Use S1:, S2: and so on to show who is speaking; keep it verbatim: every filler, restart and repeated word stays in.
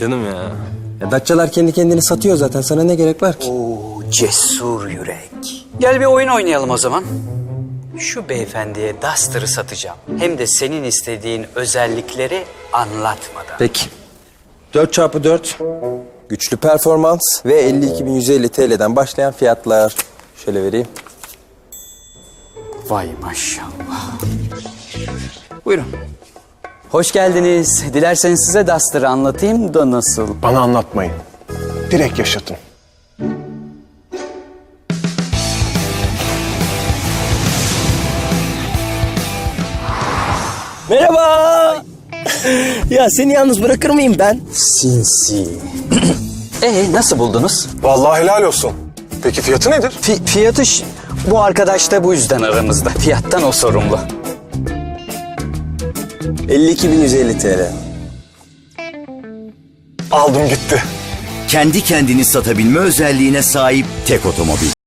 S1: Canım ya. Ya Datçalar kendi kendini satıyor zaten. Sana ne gerek var ki?
S2: Oo, cesur yürek. Gel bir oyun oynayalım o zaman. Şu beyefendiye Duster'ı satacağım. Hem de senin istediğin özellikleri anlatmadan.
S1: Peki. dört çarpı dört. Güçlü performans ve elli iki bin yüz elli T L'den başlayan fiyatlar. Şöyle vereyim.
S2: Vay maşallah. Buyurun. Hoş geldiniz. Dilerseniz size Duster'ı anlatayım da nasıl?
S3: Bana anlatmayın. Direkt yaşatın.
S1: Merhaba. Ya seni yalnız bırakır mıyım ben?
S2: Sinsi. Ee nasıl buldunuz?
S3: Vallahi helal olsun. Peki fiyatı nedir?
S2: Fi- fiyatı ş- bu arkadaş da bu yüzden aramızda. Fiyattan o sorumlu.
S1: elli iki bin yüz elli T L.
S3: Aldım gitti.
S4: Kendi kendini satabilme özelliğine sahip tek otomobil.